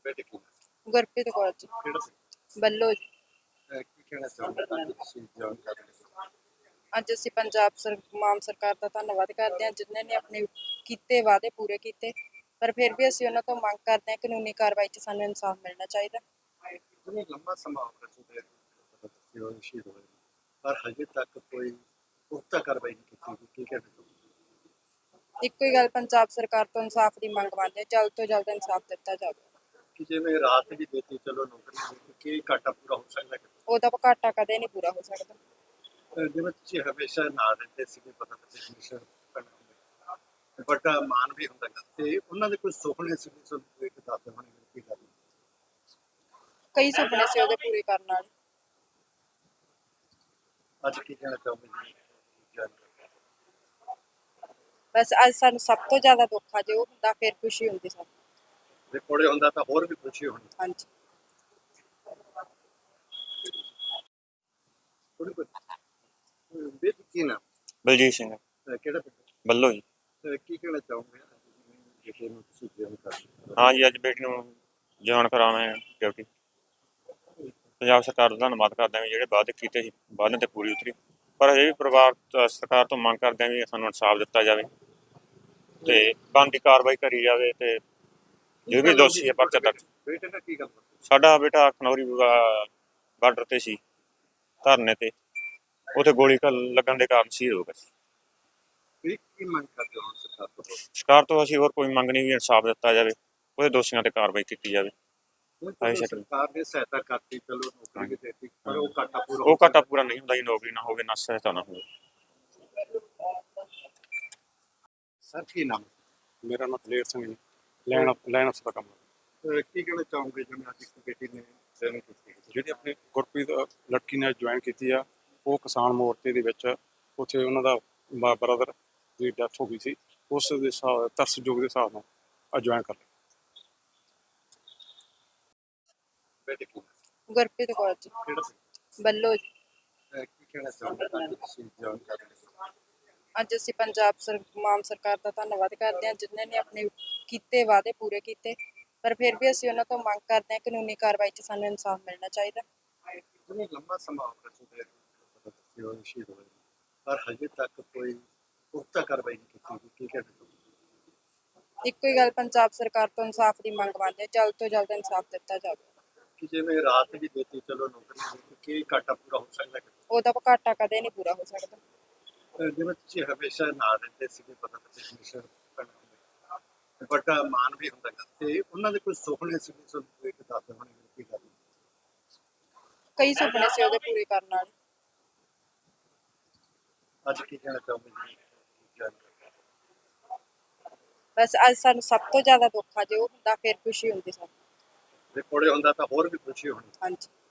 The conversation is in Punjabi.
ਬੇਟੇ ਕੀ ਗੁਰਪ੍ਰੀਤ ਕੌਰ ਜੀ, ਕਿਹੜਾ ਸੀ ਬੱਲੋ ਜੀ। ਕੀ ਕਹਿਣਾ ਚਾਹੁੰਦੇ ਅੱਜ ਤੁਸੀਂ ਜੌਇਨ ਕਰ ਰਹੇ ਹੋ? ਅੱਜ ਅਸੀਂ ਮਾਨ ਸਰਕਾਰ ਦਾ ਧੰਨਵਾਦ ਕਰਦੇ ਹਾਂ, ਜਿਨ੍ਹਾਂ ਨੇ ਆਪਣੇ ਕੀਤੇ ਵਾਅਦੇ ਪੂਰੇ ਕੀਤੇ। ਪਰ ਫਿਰ ਵੀ ਅਸੀਂ ਉਹਨਾਂ ਤੋਂ ਮੰਗ ਕਰਦੇ ਹਾਂ, ਕਾਨੂੰਨੀ ਕਾਰਵਾਈ 'ਚ ਸਾਨੂੰ ਇਨਸਾਫ ਮਿਲਣਾ ਚਾਹੀਦਾ। ਜਿਵੇਂ ਲੰਬਾ ਸਮਾਂ ਹੋ ਰਿਹਾ ਸੀ ਉਹ ਸ਼ਹੀਦ ਹੋਏ ਨੇ, ਪਰ ਹਜੇ ਤੱਕ ਕੋਈ ਪੁਖਤਾ ਕਾਰਵਾਈ ਨਹੀਂ ਕੀਤੀ ਗਈ। ਕੀ ਕਹਿਣਾ ਚਾਹੁੰਦੇ? ਇੱਕੋ ਹੀ ਗੱਲ, ਪੰਜਾਬ ਸਰਕਾਰ ਤੋਂ ਇਨਸਾਫ ਦੀ ਮੰਗ ਮੰਨਦੇ ਹਾਂ, ਜਲਦ ਤੋਂ ਜਲਦ ਇਨਸਾਫ ਦਿੱਤਾ ਜਾਵੇ। ਕਿ ਜਿਵੇਂ ਰਾਤ ਵੀ ਦੇਤੀ, ਚਲੋ ਨੌਕਰੀ ਦਿੱਤੀ, ਕੀ ਘਾਟਾ ਪੂਰਾ ਹੋ ਸਕਦਾ ਹੈ? ਉਹਦਾ ਘਾਟਾ ਕਦੇ ਨਹੀਂ ਪੂਰਾ ਹੋ ਸਕਦਾ। ਜਿਵੇਂ ਤੁਸੀਂ ਹਮੇਸ਼ਾ ਨਾਲ ਰਹਿੰਦੇ ਸੀਗੇ, ਪਤਾ ਤੁਸੀਂ ਹਮੇਸ਼ਾ ਵੱਡਾ ਮਾਨ ਵੀ ਹੁੰਦਾ ਗਾ, ਤੇ ਉਹਨਾਂ ਦੇ ਕੋਈ ਸੁਪਨੇ ਸੀ ਤੁਹਾਨੂੰ ਇੱਕ ਦੱਸਦੇ ਹੋਣਗੇ ਕੀ ਗੱਲ? ਕਈ ਸੁਪਨੇ ਸੀ ਉਹਦੇ ਪੂਰੇ ਕਰਨ ਵਾਲੇ। ਅੱਜ ਕੀ ਕਹਿਣਾ ਚਾਹੁੰਦੇ ਜੀ? ਬਸ ਅੱਜ ਸਾਨੂੰ ਸਭ ਤੋਂ ਜ਼ਿਆਦਾ ਦੁੱਖ ਆ, ਜੇ ਉਹ ਹੁੰਦਾ ਫਿਰ ਖੁਸ਼ੀ ਹੁੰਦੀ ਸਾਨੂੰ। ਜੇ ਕੋਲੇ ਹੁੰਦਾ ਤਾਂ ਹੋਰ ਵੀ ਖੁਸ਼ੀ ਹੋਣੀ। ਹਾਂਜੀ। ਥੋੜੀ ਬੇਤ ਕੀ ਨਾ ਬਲਜੀਤ ਸਿੰਘ ਕਿਹੜਾ ਪਿੰਡ? ਬੱਲੋ ਜੀ। ਕੀ ਕਹਿਣਾ ਚਾਹੋਗੇ ਜਿਹੜੇ ਨੂੰ ਤੁਸੀਂ ਜੌਇਨ ਕਰ ਰਹੇ ਹੋ? ਹਾਂ ਜੀ, ਅੱਜ ਬੇਟੀ ਨੂੰ ਜੌਇਨ ਕਰਾਉਣਾ ਡਿਊਟੀ। ਪੰਜਾਬ ਸਰਕਾਰ ਦਾ ਧੰਨਵਾਦ ਕਰਦੇ ਹਾਂ ਵੀ ਜਿਹੜੇ ਵਾਅਦੇ ਕੀਤੇ ਸੀ ਵਾਅਦਿਆਂ 'ਤੇ ਪੂਰੀ ਉਤਰੀ। ਪਰ ਇਹ ਵੀ ਸਰਕਾਰ ਤੋਂ ਮੰਗ ਕਰਦੇ ਹਾਂ ਵੀ ਸਾਨੂੰ ਇਨਸਾਫ ਦਿੱਤਾ ਜਾਵੇ ਅਤੇ ਬਣਦੀ ਕਾਰਵਾਈ ਕਰੀ ਜਾਵੇ, ਅਤੇ ਜੋ ਵੀ ਦੋਸ਼ੀ ਹੈ ਪਰਚਾ ਦਰਜ। ਬੇਟੇ ਨਾਲ ਕੀ ਗੱਲ ਬਾਤ? ਸਾਡਾ ਬੇਟਾ ਖਨੌਰੀ ਬਾਰਡਰ 'ਤੇ ਸੀ, ਧਰਨੇ 'ਤੇ, ਉੱਥੇ ਗੋਲੀ ਲੱਗਣ ਦੇ ਕਾਰਨ ਸ਼ਹੀਦ ਹੋ ਗਿਆ ਸੀ। ਕੀ ਮੰਗ ਕਰਦੇ ਹੋ ਸਰਕਾਰ ਤੋਂ? ਸਰਕਾਰ ਤੋਂ ਅਸੀਂ ਹੋਰ ਕੋਈ ਮੰਗ ਨਹੀਂ, ਵੀ ਇਨਸਾਫ ਦਿੱਤਾ ਜਾਵੇ, ਉਹਦੇ ਦੋਸ਼ੀਆਂ 'ਤੇ ਕਾਰਵਾਈ ਕੀਤੀ ਜਾਵੇ। ਸਰਕਾਰ ਨੇ ਸਹਾਇਤਾ ਕਰਤੀ, ਚਲੋ ਨੌਕਰੀ ਵੀ ਦੇਤੀ, ਪਰ ਉਹ ਘਾਟਾ ਪੂਰਾ ਉਹ ਘਾਟਾ ਪੂਰਾ ਨਹੀਂ ਹੁੰਦਾ ਜੀ, ਨੌਕਰੀ ਨਾ ਹੋਵੇ ਨਾ ਸਹਾਇਤਾ ਨਾ ਹੋਵੇ। ਸਰ ਕੀ ਨਾਮ? ਮੇਰਾ ਨਾਮ ਦਲੇਰ ਸਿੰਘ ਜੀ, ਲਾਈਨ ਅਫਸਰ ਦਾ ਕੰਮ। ਕੀ ਕਹਿਣਾ ਚਾਹੋਗੇ ਜਿਵੇਂ ਅੱਜ ਇੱਕ ਬੇਟੀ ਨੇ ਜੌਇਨ ਕੀਤੀ? ਜਿਹੜੀ ਆਪਣੀ ਗੁਰਪ੍ਰੀਤ ਲੜਕੀ ਨੇ ਜੁਆਇਨ ਕੀਤੀ ਆ, ਉਹ ਕਿਸਾਨ ਮੋਰਚੇ ਦੇ ਵਿੱਚ ਉੱਥੇ ਉਹਨਾਂ ਦਾ ਬ੍ਰਦਰ ਦੀ ਡੈਥ ਹੋ ਗਈ ਸੀ, ਉਸ ਦੇ ਤਰਸਯੋਗ ਦੇ ਹਿਸਾਬ ਨਾਲ ਅੱਜ ਜੁਆਇਨ ਕਰ ਲਿਆ। ਬੇਟੇ ਕੀ ਗੁਰਪ੍ਰੀਤ ਕੌਰ ਜੀ, ਕਿਹੜਾ ਸੀ? ਬੱਲੋ ਜੀ। ਕੀ ਕਹਿਣਾ ਚਾਹੁੰਦੇ ਅੱਜ ਤੁਸੀਂ ਜੌਇਨ ਕਰ ਰਹੇ ਹੋ? ਅੱਜ ਅਸੀਂ ਮਾਨ ਸਰਕਾਰ ਦਾ ਧੰਨਵਾਦ ਕਰਦੇ ਹਾਂ, ਜਿਨ੍ਹਾਂ ਨੇ ਆਪਣੇ ਕੀਤੇ ਵਾਅਦੇ ਪੂਰੇ ਕੀਤੇ। ਪਰ ਫਿਰ ਵੀ ਅਸੀਂ ਉਹਨਾਂ ਤੋਂ ਮੰਗ ਕਰਦੇ ਹਾਂ, ਕਾਨੂੰਨੀ ਕਾਰਵਾਈ 'ਚ ਸਾਨੂੰ ਇਨਸਾਫ ਮਿਲਣਾ ਚਾਹੀਦਾ। ਜਿਵੇਂ ਲੰਬਾ ਸਮਾਂ ਹੋ ਰਿਹਾ ਸੀ ਉਹ ਸ਼ਹੀਦ ਹੋਏ ਨੇ, ਪਰ ਹਜੇ ਤੱਕ ਕੋਈ ਪੁਖਤਾ ਕਾਰਵਾਈ ਨਹੀਂ ਕੀਤੀ ਗਈ। ਕੀ ਕਹਿਣਾ ਚਾਹੁੰਦੇ? ਇੱਕੋ ਹੀ ਗੱਲ, ਪੰਜਾਬ ਸਰਕਾਰ ਤੋਂ ਇਨਸਾਫ ਦੀ ਮੰਗ ਮੰਨਦੇ ਹਾਂ, ਜਲਦ ਤੋਂ ਜਲਦ ਇਨਸਾਫ ਦਿੱਤਾ ਜਾਵੇ। ਕਿ ਜਿਵੇਂ ਰਾਤ ਵੀ ਦੇਤੀ, ਚਲੋ ਨੌਕਰੀ ਦਿੱਤੀ, ਕੀ ਘਾਟਾ ਪੂਰਾ ਹੋ ਸਕਦਾ ਹੈ? ਉਹਦਾ ਘਾਟਾ ਕਦੇ ਨਹੀਂ ਪੂਰਾ ਹੋ ਸਕਦਾ। ਜਿਵੇਂ ਤੁਸੀਂ ਹਮੇਸ਼ਾ ਨਾਲ ਰਹਿੰਦੇ ਸੀਗੇ, ਪਤਾ ਤੁਸੀਂ ਹਮੇਸ਼ਾ ਵੱਡਾ ਮਾਨ ਵੀ ਹੁੰਦਾ ਗਾ, ਤੇ ਉਹਨਾਂ ਦੇ ਕੋਈ ਸੁਪਨੇ ਸੀ ਤੁਹਾਨੂੰ ਇੱਕ ਦੱਸਦੇ ਹੋਣਗੇ ਕੀ ਗੱਲ? ਕਈ ਸੁਪਨੇ ਸੀ ਉਹਦੇ ਪੂਰੇ ਕਰਨ ਵਾਲੇ। ਅੱਜ ਕੀ ਕਹਿਣਾ ਚਾਹੁੰਦੇ ਜੀ? ਬਸ ਅੱਜ ਸਾਨੂੰ ਸਭ ਤੋਂ ਜ਼ਿਆਦਾ ਦੁੱਖ ਆ, ਜੇ ਉਹ ਹੁੰਦਾ ਫਿਰ ਖੁਸ਼ੀ ਹੁੰਦੀ ਸਾਨੂੰ। ਜੇ ਕੋਲੇ ਹੁੰਦਾ ਤਾਂ ਹੋਰ ਵੀ ਖੁਸ਼ੀ ਹੋਣੀ। ਹਾਂਜੀ।